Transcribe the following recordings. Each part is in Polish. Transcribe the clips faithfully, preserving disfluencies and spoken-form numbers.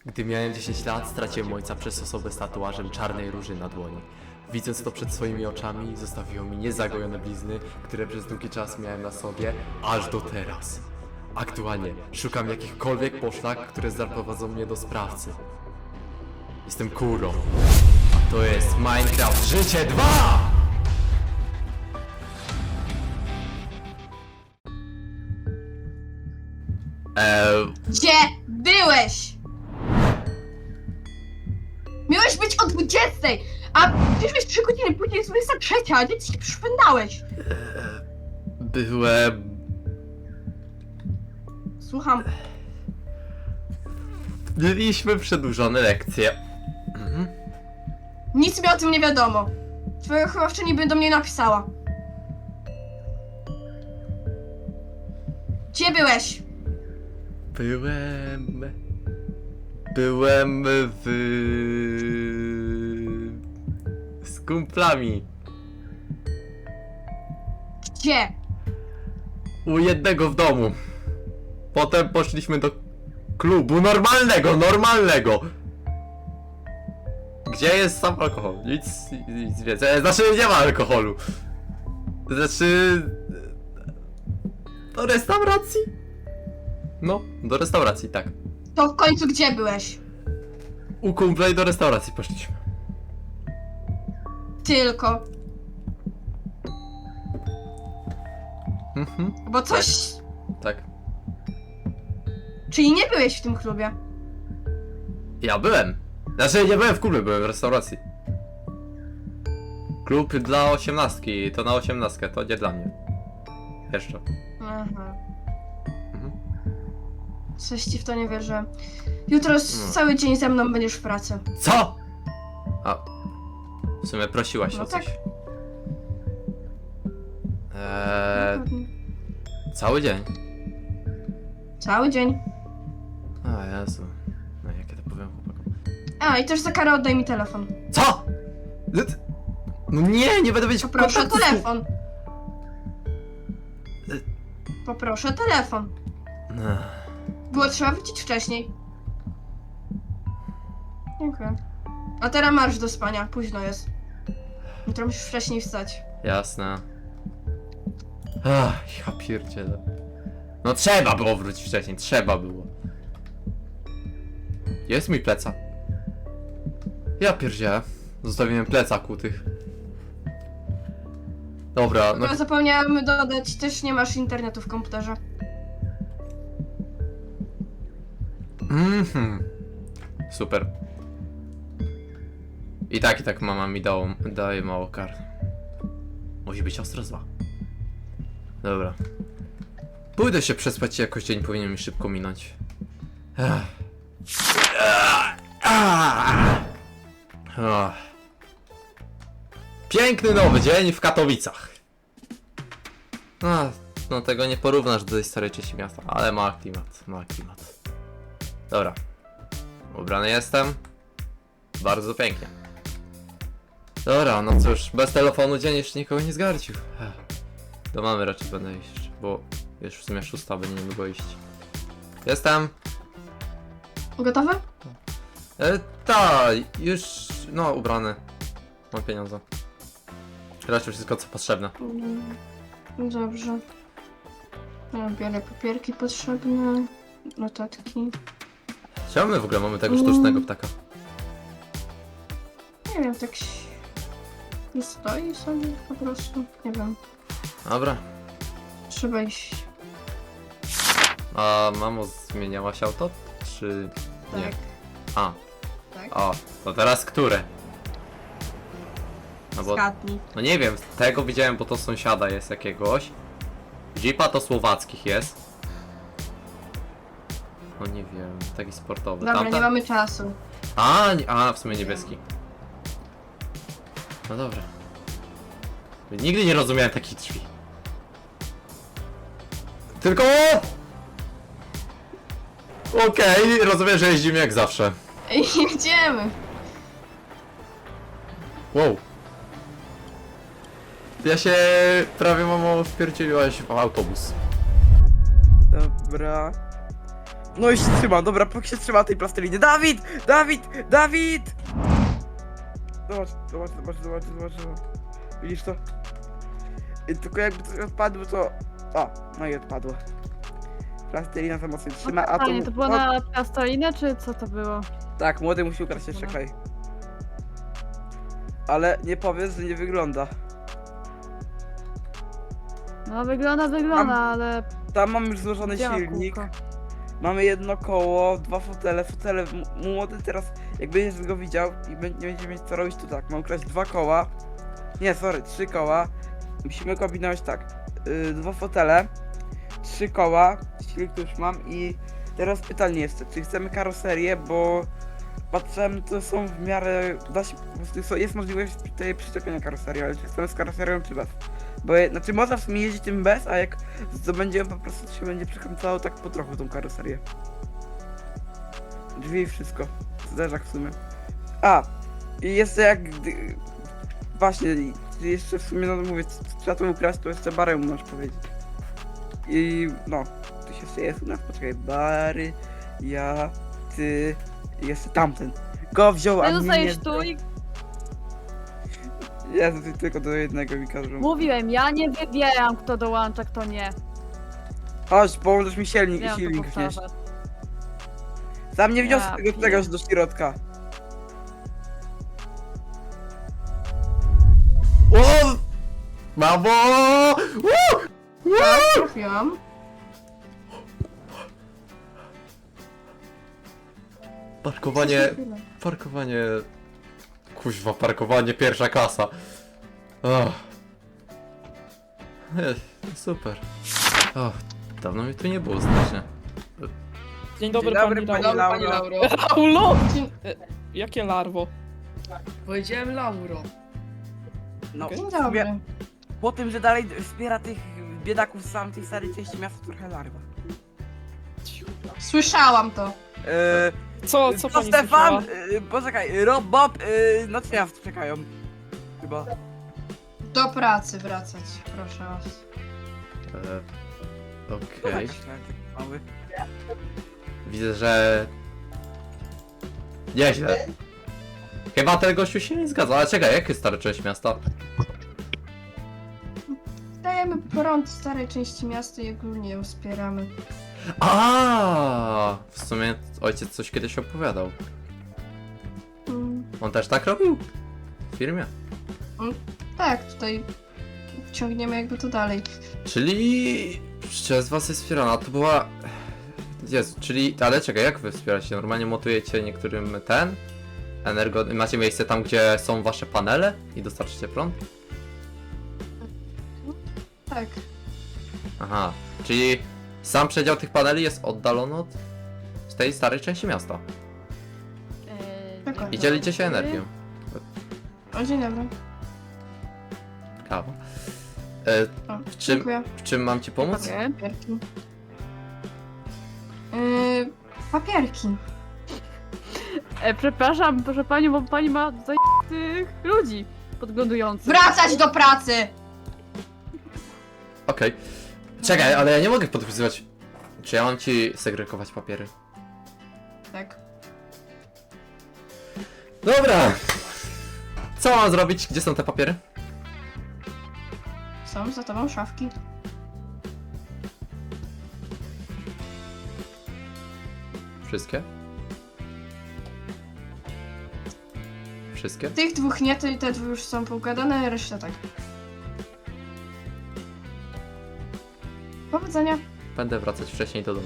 Gdy miałem dziesięć lat, straciłem ojca przez osobę z tatuażem czarnej róży na dłoni. Widząc to przed swoimi oczami, zostawiło mi niezagojone blizny, które przez długi czas miałem na sobie, aż do teraz. Aktualnie szukam jakichkolwiek poszlak, które zaprowadzą mnie do sprawcy. Jestem Kuro. A to jest Minecraft Życie dwa! Eee... Gdzie byłeś? Miałeś być o dwudziestej, a przyszłeś trzy godziny później, jest dwudziesta trzecia, a gdzie ci przypędałeś? Byłem... Słucham. Mieliśmy przedłużone lekcje. Mhm. Nic mi o tym nie wiadomo. Twoja wychowawczyni by do mnie napisała. Gdzie byłeś? Byłem... Byłem w... z kumplami. Gdzie? U jednego w domu. Potem poszliśmy do klubu normalnego, normalnego. Gdzie jest sam alkohol? Nic, nic więcej. Znaczy nie ma alkoholu. Znaczy... Do restauracji? No, do restauracji, tak. To w końcu gdzie byłeś? U kumpla i do restauracji poszliśmy. Tylko. Mhm, Bo coś... tak. Czyli nie byłeś w tym klubie? Ja byłem. Znaczy nie byłem w klubie, byłem w restauracji. Klub dla osiemnastki, to na osiemnastkę, to nie dla mnie. Jeszcze. Aha. Mhm. Coś ci w to nie wierzę. Jutro s- No. cały dzień ze mną będziesz w pracy. Co? A, w sumie prosiłaś No o tak. coś. Eee, Dokładnie. cały dzień. Cały dzień. A Jezu. No jakie to powiem chłopakom. A, i też za karę oddaj mi telefon. Co? No nie, nie będę mieć Poproszę kontaktu z- telefon. Poproszę telefon. Ech. Było trzeba wrócić wcześniej. Dziękuję. A teraz marsz do spania, późno jest. Jutro musisz wcześniej wstać. Jasne. Ach, ja pierdzielę. No trzeba było wrócić wcześniej, trzeba było. Jest mój plecak. Ja pierdzielę. Zostawiłem plecak u tych. Dobra, no Tylko zapomniałam dodać, też nie masz internetu w komputerze. mhm. Super. I tak, i tak mama mi dało, daje mało kar. Musi być ostro zła. Dobra. Pójdę się przespać i jakoś dzień powinien mi szybko minąć. Ech. Ach. Piękny nowy dzień w Katowicach. No, no tego nie porównasz do tej starej części miasta, ale ma klimat, ma klimat. Dobra. Ubrany jestem. Bardzo pięknie. Dobra, no cóż, bez telefonu dzień jeszcze nikogo nie zgarcił. Ech. Do mamy raczej będę iść, bo już w sumie szósta będzie niedługo iść. Jestem. Gotowy? E, ta, już, no, ubrany. Mam pieniądze. Raczej wszystko co potrzebne. Mm, Dobrze. Ja biorę papierki potrzebne, notatki. Czemu my w ogóle mamy tego sztucznego ptaka? Nie wiem, tak się... nie stoi sobie po prostu. Nie wiem. Dobra. Trzeba iść. A mamo, zmieniałaś auto? Czy nie? Tak. A, Tak. o, to teraz które? No bo, Zgadnij. no nie wiem, tego widziałem, bo to sąsiada jest jakiegoś. Jeepa to słowackich jest. No nie wiem, taki sportowy. Dobra, Tamta... nie mamy czasu. A, nie, a, w sumie niebieski. No dobra. Nigdy nie rozumiałem takich drzwi. Tylko... Okej, rozumiem, że jeździmy jak zawsze. Ej, jedziemy. Wow. Ja się prawie, mamo, wpierdzieliłaś w autobus. Dobra. No i się trzyma, dobra, póki się trzyma tej plasteliny. Dawid! Dawid! Dawid! Zobacz, zobacz, zobacz, zobacz, zobacz, zobacz. Widzisz to? I tylko jakby coś odpadło, to... O, no i odpadło. Plastelina za mocno trzyma, a to... Fajnie, to było o, na plastolinę, czy co to było? Tak, młody musi ukraść jeszcze Dobra. klej. Ale nie powiedz, że nie wygląda. No wygląda, wygląda, ale... Tam mam już złożony Gdzie ma silnik. kółko? Mamy jedno koło, dwa fotele, fotele, m- młody teraz, jak będziesz go widział i bę- nie będziemy mieć co robić, to tak, mam kraść dwa koła, nie, sorry, trzy koła, musimy kombinować tak, yy, dwa fotele, trzy koła, silnik to już mam i teraz pytanie jest, czy chcemy karoserię, bo patrzyłem, to są w miarę, da się, po prostu są- jest możliwość tutaj przyczepienia karoserii, ale czy chcemy z karoserią czy bez? Bo, je- znaczy można w sumie jeździć tym bez, a jak zdobędziemy po prostu to się będzie przekręcało tak po trochu tą karoserię. Drzwi i wszystko. Zderzak w sumie. A! I jeszcze jak... gdy- Właśnie, i jeszcze w sumie, no mówię, c- trzeba to ukraść, to jeszcze barę możesz powiedzieć. I no, tu się jeszcze jest u nas, poczekaj, Bary, ja, ty i jeszcze tamten. Go wziął, a Ty mnie zostajesz nie... tu i Jezu, ty tylko do jednego mi każą. mówiłem, ja nie wybieram, kto dołącza, kto nie. Chodź, położysz mi silnik, Miałam to silnik wnieść. powtarzać. Sam nie wniosę Ja tego pier- czegoś do środka. O! Mamo! Woo! Tak, trafiłam. Parkowanie, parkowanie... Kuźwa, parkowanie pierwsza klasa. Oh. Super. O, dawno mi tu nie było strasznie. Dzień dobry, Dzień dobry, pani pani Lauro. Lauro. Laulo! Dzień, Jakie larwo? Powiedziałem Lauro. No, Okej. dzień w sumie dobry. po tym, że dalej wspiera tych biedaków z samej tej starej części miasta, trochę larwa. Słyszałam to. Eee, Co, co to pani Stefan, słyszała? yy, poczekaj, Rob, Bob, yy, no co miasto czekają. Chyba. Do pracy wracać, proszę was. E, No Okej. tak, mały. Widzę, że... Nieźle. Chyba ten gościu się nie zgadza, ale czekaj, jaki jest stary część miasta? Dajemy prąd starej części miasta i ogólnie ją wspieramy. A, w sumie ojciec coś kiedyś opowiadał. Mm, On też tak robił? W firmie? tak, tutaj ciągniemy jakby to dalej. Czyli przez was jest wspierana, to była... Jezu, czyli... Ale czekaj, jak wy wspieracie? Normalnie montujecie niektórym ten? Energo... Macie miejsce tam, gdzie są wasze panele i dostarczycie prąd? Tak. Aha, czyli sam przedział tych paneli jest oddalony od z tej starej części miasta. Eee, Dokładnie. I dzień dzielicie się dobry. energią. O, dzień dobry. Kawa. E, O, w, czym, dziękuję. w czym mam ci pomóc? Dziękuję. Papierki. Yy, papierki. E, przepraszam, proszę panią, bo pani ma tutaj tych ludzi podglądujących. Wracać do pracy! Okej. Czekaj, ale ja nie mogę podpisywać. Czy ja mam ci segregować papiery? Tak. Dobra! Co mam zrobić? Gdzie są te papiery? Są za tobą szafki. Wszystkie? Wszystkie? Tych dwóch nie, te, te dwie już są poukładane, reszta tak. Powodzenia. Będę wracać wcześniej do domu.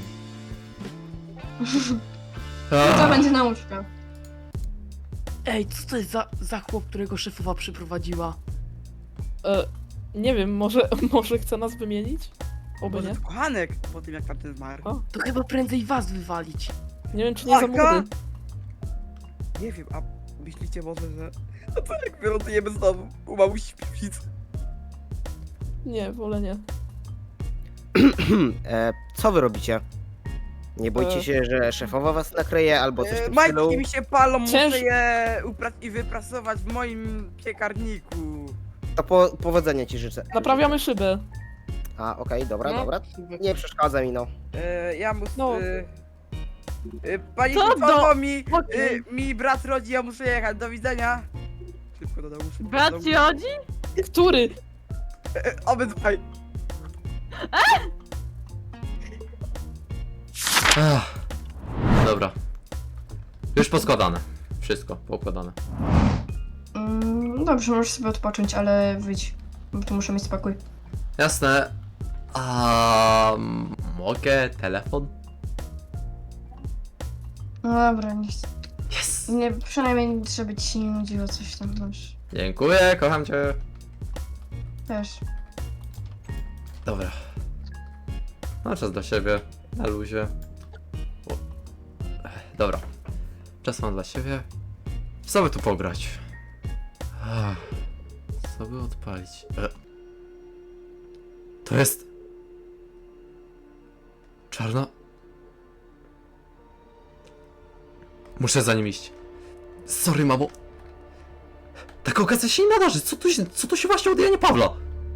To będzie nauczka. Ej, co to jest za, za chłop, którego szefowa przyprowadziła? E, nie wiem, może, może chce nas wymienić? Oby Może nie. to kochanek po tym, jak tamten zmarł. O, To chyba prędzej was wywalić. nie wiem, czy nie za Taka? młody. Nie wiem, a myślicie może, że... No to jak wylądujemy znowu u mamusi w piwnicy? Nie, wolę nie. e, co wy robicie? Nie boicie E. się, że szefowa was nakryje albo coś w E, tym stylu? Majtki mi się palą, muszę Cięż- je upra- i wyprasować w moim piekarniku. To po, powodzenia ci życzę. Naprawiamy szybę. A, okej, dobra, No. dobra. Nie przeszkadza mi, no. E, ja muszę... No. E, Y, Pani Co szefowo, do- mi, Okej. y, mi brat rodzi, ja muszę jechać, do widzenia. Szybko do domu, szybko do Brat domu. ci chodzi? Który? Y, y, Obydwaj. Ach. Dobra. Już poskładane. Wszystko poukładane. Mm, dobrze, możesz sobie odpocząć, ale wyjdź. Bo tu muszę mieć spokój. Jasne. A mogę telefon? No dobra, nie chcę. Yes! Nie, przynajmniej żeby ci się nie nudziło coś tam, wiesz. Dziękuję, kocham cię. Wiesz. Dobra. No czas dla siebie, na luzie. O. Ech, Dobra. Czas mam dla siebie. Co by tu pograć? Ach, co by odpalić? E. To jest... Czarna... Muszę za nim iść. Sorry, mamo. Taka okazja się nie nadarzy. Co tu się, co tu się właśnie od Janie Pawła?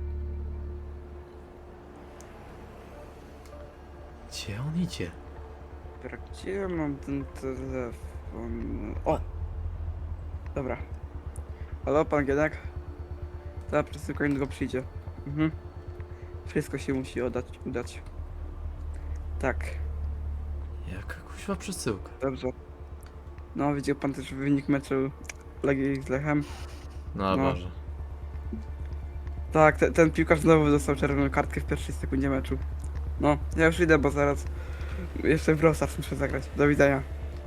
Gdzie on idzie? Dobra, gdzie ja mam ten telefon? O! Dobra. Halo, pan Gienek? Ta przesyłka niedługo przyjdzie. Mhm. Wszystko się musi oddać, udać. Tak, Jaka kuźwa przesyłka. dobrze. No, widział pan też wynik meczu Legii z Lechem? No, No. Boże. Tak, te, ten piłkarz znowu dostał czerwoną kartkę w pierwszej sekundzie meczu. No, ja już idę, bo zaraz jeszcze w Brawl Stars muszę zagrać. Do widzenia.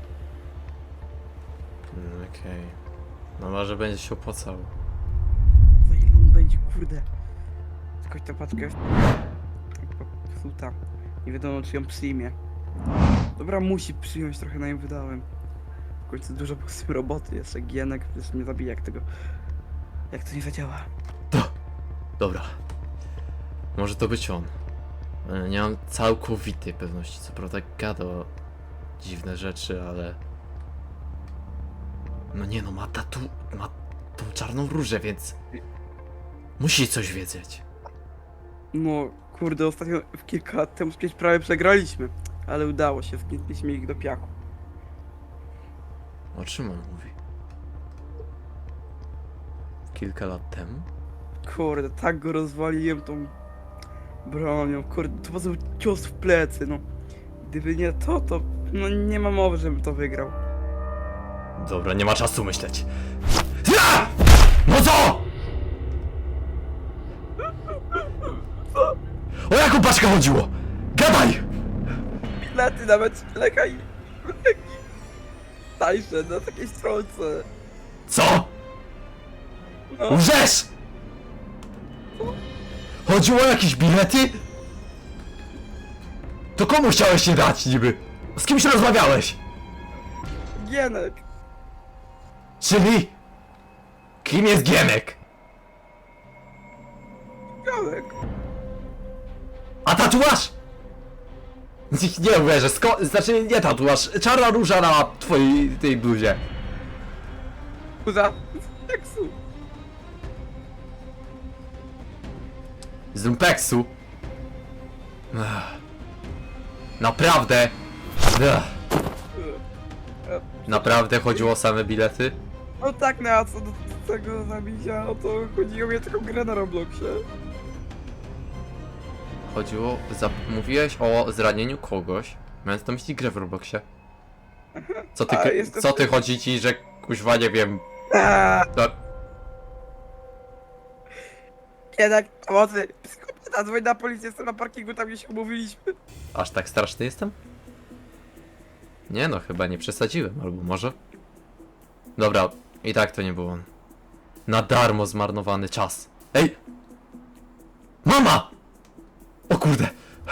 Mm, Okej. No może będzie się opłacało. Za ile on będzie, kurde. Skończ tę paczkę. Psuta. Nie wiadomo, czy ją przyjmie. Dobra, musi przyjąć, trochę na nim wydałem. W końcu dużo było z tym roboty, jeszcze Gienek przecież mnie zabije, jak tego... Jak to nie zadziała. Dobra. Może to być on. E, Nie mam całkowitej pewności. Co prawda gada o dziwne rzeczy, ale... No nie no, ma tatu... ma tą czarną różę, więc... Musi coś wiedzieć. No, kurde, ostatnio w kilka lat temu przecież prawie przegraliśmy. Ale udało się, zgnieśliśmy ich do piachu. O czym on mówi? Kilka lat temu? Kurde, tak go rozwaliłem tą bronią, kurde, to był cios w plecy, no. Gdyby nie to, to no nie ma mowy, żebym to wygrał. Dobra, nie ma czasu myśleć. Ja! No co? O jaką paczkę chodziło? Gadaj! Bilety nawet lekaj. Tańsze na takiej stronce. Co? No, Łżesz! Chodziło o jakieś bilety? To komu chciałeś się dać niby? Z kimś rozmawiałeś? Gienek. Czyli? Kim jest Gienek? Gienek. A tatuaż? Nie uwierzę, sko- znaczy nie tatuaż, czarna róża na twojej tej bluzie. Kuza. Teksu. Z lumpeksu. Ech. Naprawdę? Ech. Naprawdę chodziło o same bilety? No tak, no a co do tego zabicia, no to chodziło mi o taką grę na Robloxie. Chodziło, za, mówiłeś o zranieniu kogoś, mając na myśli grę w Robloxie. Co ty, A, k- jestem- co ty chodzi ci, że kuźwa nie wiem, Aaaa. no, Gienek, pomocy. Psychopata, dzwoń na policję, jestem na parkingu, tam gdzie się umówiliśmy. aż tak straszny jestem? Nie no, chyba nie przesadziłem, albo może? Dobra, i tak to nie był on. Na darmo zmarnowany czas. Ej! Mama! O kurde!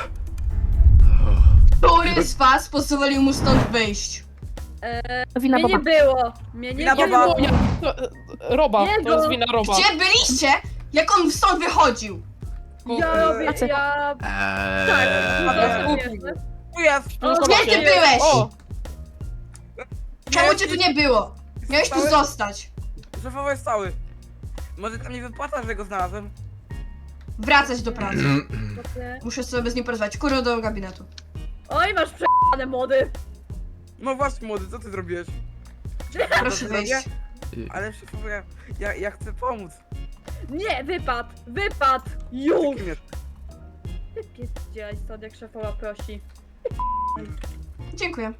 Który z was pozwolił mu stąd wyjść? Wina Mnie nie Boba. było! Mnie nie Wina było! Boba. To, e, Roba, to Jego. jest wina Roba. Gdzie byliście, jak on stąd wychodził? Ja robię, Tacy- ja... Eee... Tak, Eee. jasne. Tu jest. Gdzie ty byłeś? O! Czemu cię tu nie było? Miałeś tu Stały- zostać. Szefowy jest cały. Może tam nie wypłata, że go znalazłem? Wracać do pracy. Okej. Muszę sobie z nim porozmawiać. Kurwa do gabinetu. Oj, masz prze***ane mody! No właśnie, młody, co ty zrobiłeś? Proszę wyjść. I- Ale szefowo, ja, ja, ja chcę pomóc. Nie, wypad! Wypad! Już! Kim jest? Wypierdzielaj stąd, jak szefowa prosi. Dziękuję.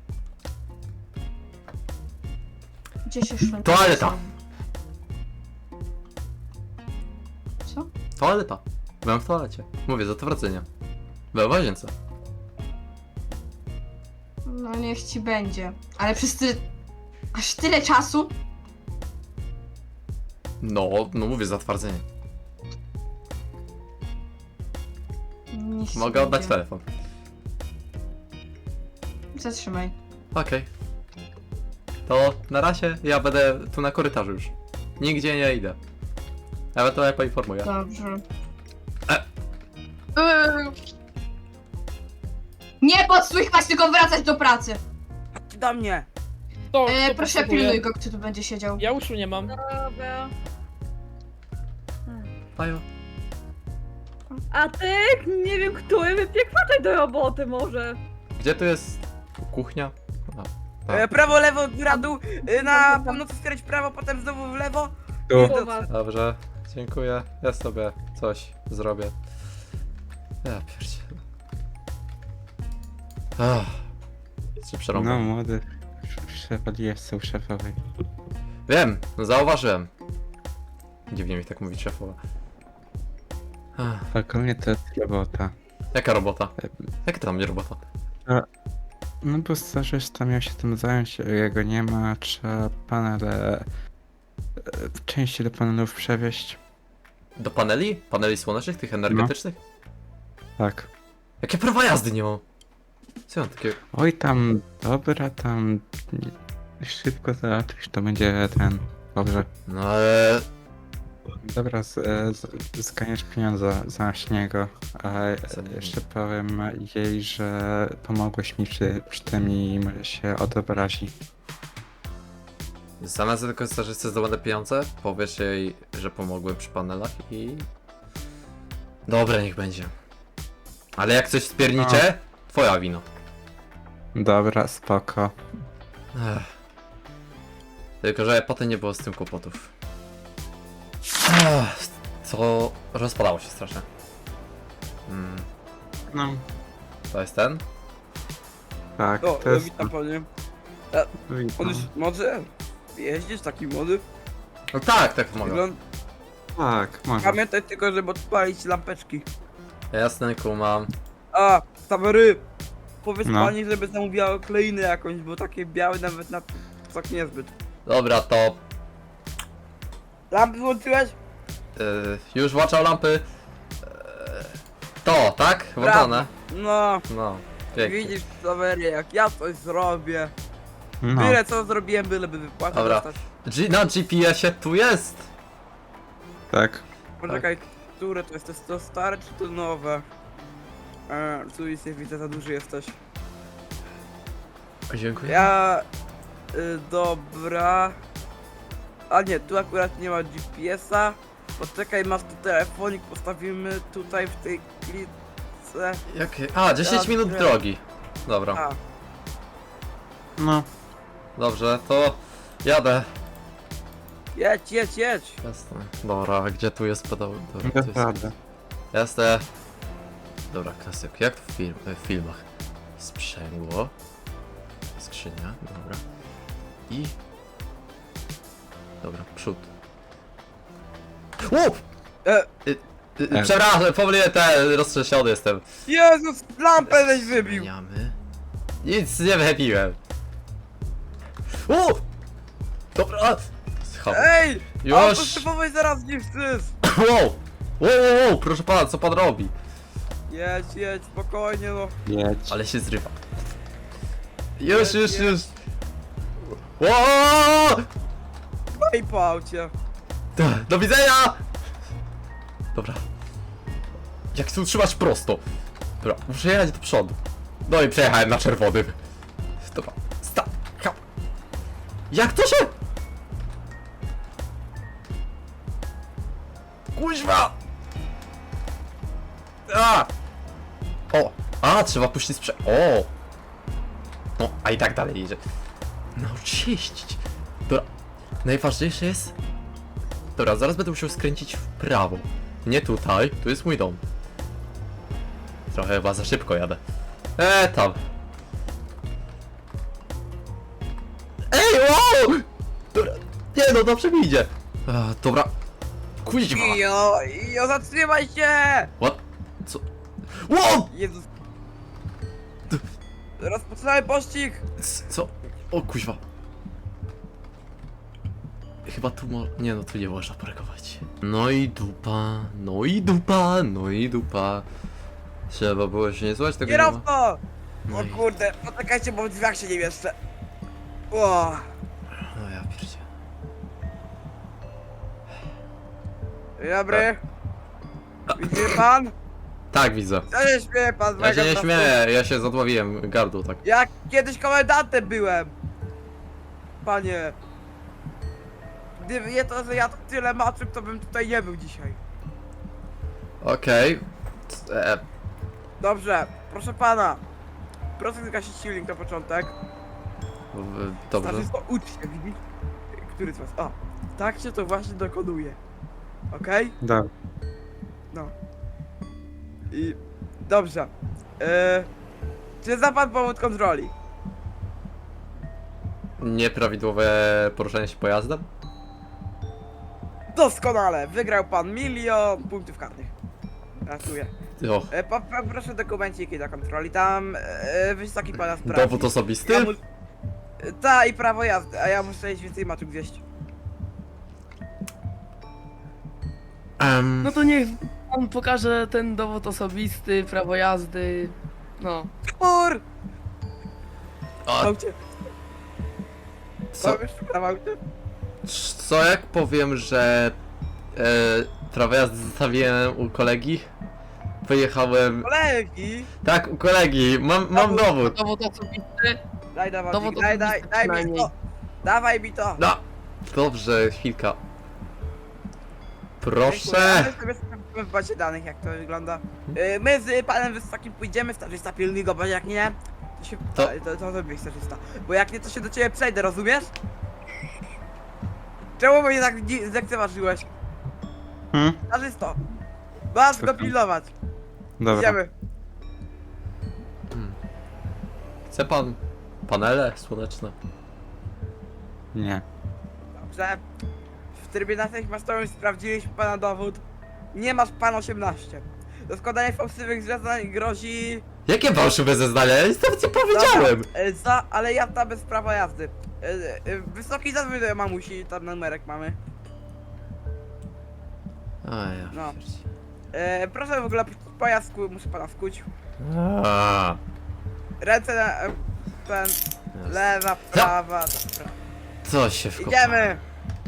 Gdzie się szło? Toaleta. Co? Toaleta. Byłem w toalecie. Mówię, za to wracenie. Byłem w łazience. No niech ci będzie. Ale przez ty... Aż tyle czasu? No, no mówię, zatwardzenie. Niech ci Mogę oddać będzie. telefon. Zatrzymaj. Okej. To na razie ja będę tu na korytarzu już. Nigdzie nie idę. Ewentualnie poinformuję. Dobrze. E. Yy. Nie podsłuchiwać, tylko wracać do pracy. Chodź do mnie. To, E, kto proszę potrzebuje? pilnuj go, kto tu będzie siedział. Ja uszu nie mam. Dobra. Ajo. A ty, nie wiem który, wypiekwataj do roboty może. Gdzie tu jest kuchnia? A, tak. E, prawo, lewo, góra, dół. E, na północy skręć w prawo, potem znowu w lewo. Tu. Po was. Dobrze, dziękuję. Ja sobie coś zrobię. Ja pierdzielę. Ach. Czy No przerąbam? młody, szef jest u szefowej. Wiem, no zauważyłem. Dziwnie mi tak mówić szefowa. Ach, Ogólnie to jest robota. jaka robota? Jaka to tam nie robota? No bo stażysta miał się tym zająć, jego nie ma, trzeba panele... e, części do panelów przewieźć. Do paneli? Paneli słonecznych, tych energetycznych? Tak. Jakie prawa jazdy nie mam? Co ja mam takie... Oj tam, dobra, tam... Szybko załatwisz, to będzie ten... Dobrze. No ale... Dobra, z, e, z, zganiesz pieniądze za niego, a Za niego. jeszcze powiem jej, że pomogłeś mi przy, przy tym i może się odobrazi. Zamiast tylko stażysty zdobędę pieniądze, powiesz jej, że pomogłem przy panelach i... Dobra, niech będzie. Ale jak coś spiernicze, twoja wina. Dobra, spoko. Ech. Tylko, że potem nie było z tym kłopotów. Ech, co rozpadało się strasznie. Mm, No, to jest ten? tak, O, to e, jest... witam panie. On Witam. już może jeździsz taki młody? No tak, tak mogę. Wygląd... Tak, może. Pamiętaj tylko, żeby odpalić lampeczki. Jasne, kumam. A, Tawery! Powiedz No. pani, żeby zamówiła kleinę jakąś, bo takie białe nawet na tak niezbyt. Dobra, to... Lampy włączyłeś? Yy, już włączał lampy. Yy, to, tak? Włączone? No, No, pięknie. widzisz Tawery, jak ja coś zrobię. No, Byle co zrobiłem, byleby wypłatę Dobra. dostać. G na G P S ie tu jest! tak. Poczekaj, które to jest? To jest to stare czy to nowe? E, tu jest, widzę, za duży jesteś. Dziękuję. Ja... Y, dobra... A nie, tu akurat nie ma G P S a. Poczekaj, masz tu telefonik, postawimy tutaj w tej klitce. Jakie? A, dziesięć minut Dobra. drogi. Dobra, A, No, dobrze, to jadę. jedź, jedź, jedź! Jasne. Dobra, a gdzie tu jest pedał? Dobra, tu jest. naprawdę. Jasne. Dobra, klasyk. Jak to w, film, w filmach? Sprzęgło. Skrzynia, dobra. I... Dobra, przód. Łup! E, Y, y, przepraszam, pomyliłem te, roztrzęsiony jestem. Jezus, lampę żeś wybił! Zmieniamy. Nic nie wybiłem. Łup! Dobra, schowam. Ej! Auto Już! szefowej zaraz nie wstyd! Wow! Wow, wow, wow, proszę pana, co pan robi? Jedź, jedź, spokojnie no. Jedź. Ale się zrywa. Już, już, już. Wow! No i po aucie. Do widzenia! Dobra. Jak chcę utrzymać prosto? Dobra, muszę jechać do przodu. No i przejechałem na czerwonym. Dobra, sta... ha. Jak to się? Kuźwa! A! O! A, trzeba puścić sprze... O! O, a i tak dalej idzie. Naucz się jeździć. Dobra, najważniejsze jest... Dobra, zaraz będę musiał skręcić w prawo. Nie tutaj, tu jest mój dom. Trochę chyba za szybko jadę. Eee, tam. Ej, wow! Dobra, nie no, dobrze mi idzie. A, dobra. Kuźwa. Ijo, ijo, zatrzymaj się! What? Co? Wow! Jezus. Rozpoczynamy pościg! C- Co? O kuźwa. Chyba tu mo... Nie no, tu nie można parkować. No i dupa, no i dupa, no i dupa. Trzeba było się nie słuchać tego nie ma. Kierowco! No O i... kurde, poczekajcie, bo w drzwiach się nie mieszczę. O, No ja pierdzie. dzień dobry. Widzi mnie pan? Tak, widzę. Co się śmieje pan z Ja mojego się nie prostu? śmieję, ja się zadławiłem gardło tak. Ja kiedyś komendantem byłem. Panie. Gdyby nie to, że ja to tyle maczył, to bym tutaj nie był dzisiaj. Okej. E, Dobrze, proszę pana. Proszę zgasić silnik na początek. w- Dobrze. Znaczy, to ucz się, widzi? Który z was? O, tak się to właśnie dokonuje. Okej? Dobra. No. I... Dobrze. Eee, czy zna pan powód kontroli? Nieprawidłowe poruszanie się pojazdem? Doskonale! Wygrał pan milion punktów karnych. Gratuluję. O, E, po, po, proszę dokumenciki do kontroli. Tam e, wysoki pana sprawdzi. dowód osobisty? Ja mu... E, Ta i prawo jazdy, a ja muszę iść więcej maczek wieść. Em, No to niech on pokaże ten dowód osobisty, prawo jazdy. No. Kur! a, Aucie, co, co? W aucie? co jak powiem, że e, prawo jazdy zostawiłem u kolegi? Pojechałem... Kolegi! Tak, u kolegi, mam, mam dowód. Dowód osobisty. Daj, dawaj, Dowód daj, daj, osobisty daj mi przynajmniej. to! Dawaj mi to! No, dobrze, chwilka. Dziękuję. Proszę. Ale sobie sprawdzimy w bazie danych, jak to wygląda. E, my z panem Wysokim pójdziemy, stażysta pilnuj go, bo jak nie, to się... To- To, to, to zrobię stażysta. Bo jak nie, to się do ciebie przejdę, rozumiesz? Czemu mnie tak dzi- zlekceważyłeś? Hmm? Stażysto! Masz go Słucham. pilnować! Dobra. Idziemy! Chce pan panele słoneczne? Nie. Dobrze. W trybie natychmiastowym sprawdziliśmy pana dowód. Nie masz pan osiemnaście. Do składania fałszywych zeznań grozi... Jakie fałszywe zeznania? Ja nic nawet nie powiedziałem. Dobra, e, za, ale jazda bez prawa jazdy. E, e, Wysoki zadzwoń do mamusi, tam numerek mamy. A ja No. pierdzie. E, proszę w ogóle pojazd, sku- muszę pana skuć. A, Ręce na... e, ten... Lewa, prawa, dobra. co się wkopałem? Idziemy!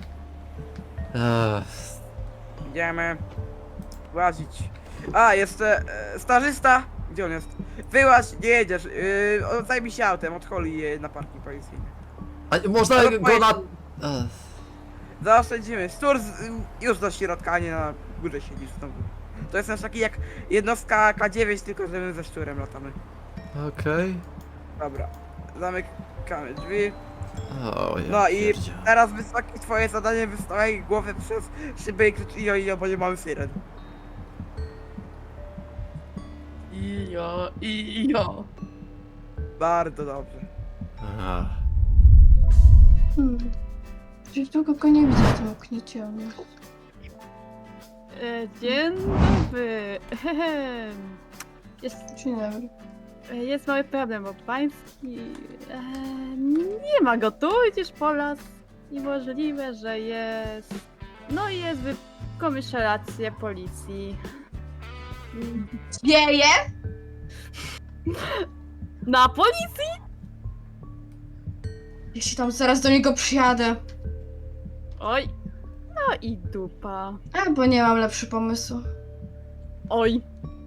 Ech, Idziemy. Łazić. A, jest e, stażysta. Gdzie on jest? Wyłaź, nie jedziesz. Yy, zajmij się autem, odcholi je na parking policyjny. A można Ale go na... powiedz- Ech, Zaoszczędzimy. Stur z, już do środka, a nie na górze siedzisz znowu. To jest nasz taki jak jednostka K dziewięć, tylko że my ze szczurem latamy. Okej. Dobra. Zamykamy drzwi. O, ja No i pierdzie. teraz wysoki twoje zadanie wystawiaj głowę przez szybę i krzyczy ijo, ijo, bo nie mamy syren. Ijo, ijo. Bardzo dobrze. Ach. Hmm. Gdzieś długo go nie widzę w tym oknie ciemnym. E, dzień dobry. Ehem. Jest, Dzień dobry. e, jest mały problem, bo pański e, nie ma go tu, idziesz po las i możliwe, że jest... No i jest w komisariacie policji. Wieje? Na policji? Jeśli tam zaraz do niego przyjadę. Oj. No i dupa. Albo nie mam lepszy pomysł. Oj.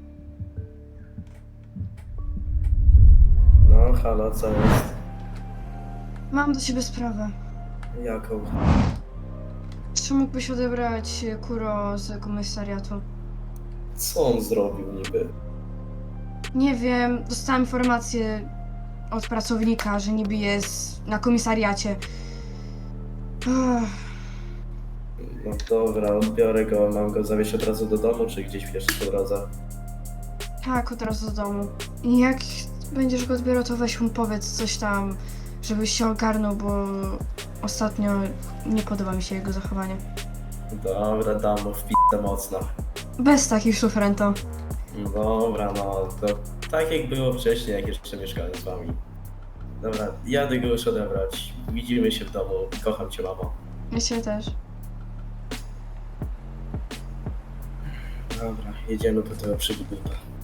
No, halo, co jest? Mam do ciebie sprawę. Jaką? Czy mógłbyś odebrać Kuro z komisariatu? Co on zrobił niby? Nie wiem, dostałam informację, od pracownika, że niby jest na komisariacie. Ech, No dobra, odbiorę go. Mam go zawieźć od razu do domu, czy gdzieś jeszcze po drodze? tak, od razu do domu. I jak będziesz go odbierał, to weź mu powiedz coś tam, żebyś się ogarnął, bo ostatnio nie podoba mi się jego zachowanie. Dobra, dam mu w p***e mocno. Bez takich słów, Rento. No dobra, no to tak jak było wcześniej, jak jeszcze mieszkałem z wami. Dobra, jadę go już odebrać. Widzimy się w domu. Kocham cię, mamo. Ja cię też. Dobra, jedziemy po tego przygódnika.